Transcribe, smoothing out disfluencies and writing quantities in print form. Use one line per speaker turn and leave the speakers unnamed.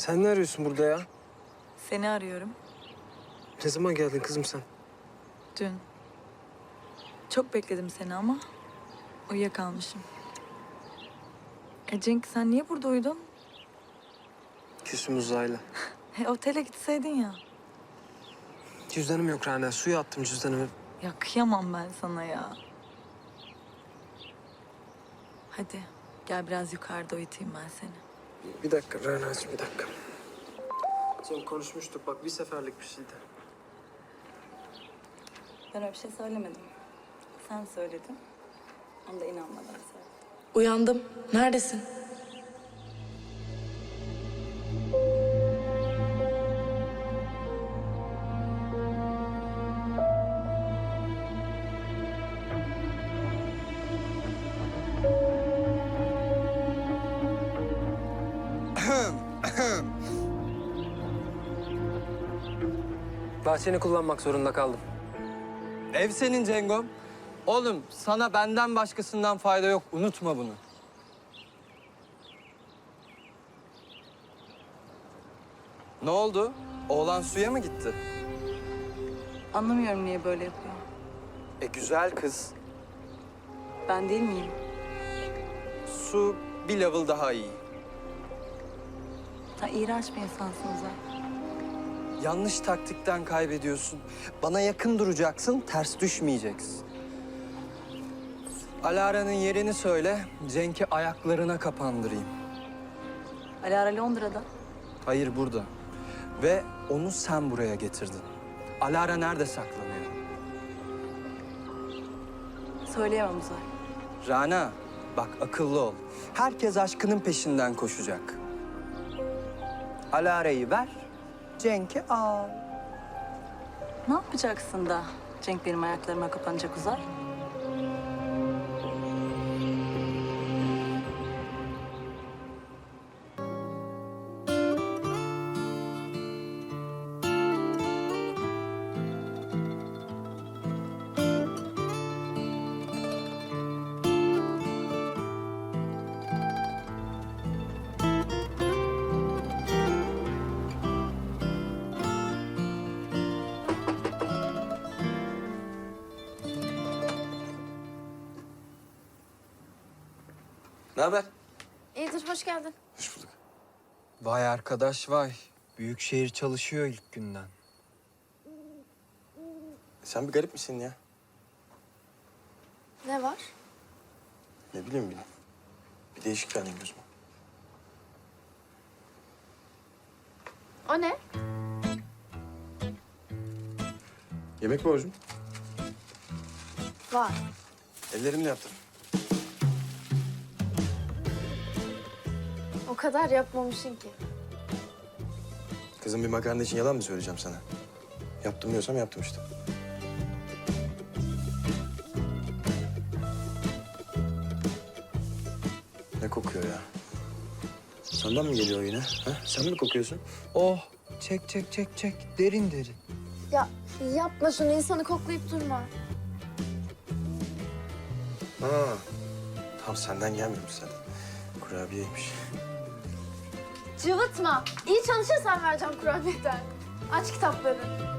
Sen ne arıyorsun burada ya?
Seni arıyorum.
Ne zaman geldin kızım sen?
Dün. Çok bekledim seni ama uyuyakalmışım. Cenk sen niye burada uyudun?
Küsüm uzayla.
Otele gitseydin ya.
Cüzdanım yok Rana. Suya attım cüzdanımı.
Ya kıyamam ben sana ya. Hadi gel biraz yukarıda uyutayım ben seni.
Bir dakika Rana'cığım bir dakika. Cem konuşmuştuk bak bir seferlik bir şeydi.
Ben öyle bir şey söylemedim. Sen söyledin. Onu da inanmadan söyledim.
Uyandım. Neredesin?
Bahçeni kullanmak zorunda kaldım.
Ev senin Cengom. Oğlum sana benden başkasından fayda yok. Unutma bunu. Ne oldu? Oğlan suya mı gitti?
Anlamıyorum niye böyle yapıyor.
Güzel kız.
Ben değil miyim?
Su bir level daha iyi.
Sen iğrenç bir insansın Uzay.
Yanlış taktikten kaybediyorsun. Bana yakın duracaksın, ters düşmeyeceksin. Alara'nın yerini söyle, Cenk'i ayaklarına kapandırayım.
Alara Londra'da.
Hayır, burada. Ve onu sen buraya getirdin. Alara nerede saklanıyor?
Söyleyemem Uzay.
Rana, bak akıllı ol. Herkes aşkının peşinden koşacak. Alara'yı ver, Cenk'i al.
Ne yapacaksın da Cenk benim ayaklarıma kapanacak Uzay?
Ne haber?
İyidir, hoş geldin.
Hoş bulduk.
Vay arkadaş vay. Büyükşehir çalışıyor ilk günden.
Sen bir garip misin ya?
Ne var?
Ne bileyim bile. Bir değişik geldi gözüme.
O ne?
Yemek borcum.
Var.
Ellerimle yaptım.
O kadar yapmamışsın ki.
Kızım bir makarna için yalan mı söyleyeceğim sana? Yaptım diyorsam yaptım işte. Ne kokuyor ya? Senden mi geliyor yine? Ha? Sen mi kokuyorsun?
Oh, çek çek çek çek. Derin derin.
Ya yapma şunu, insanı koklayıp durma.
Ha. Tam senden gelmiyormuş zaten. Kurabiyeymiş.
Cıvıtma. İyi çalışırsan vereceğim kurabiyeden. Aç kitapları.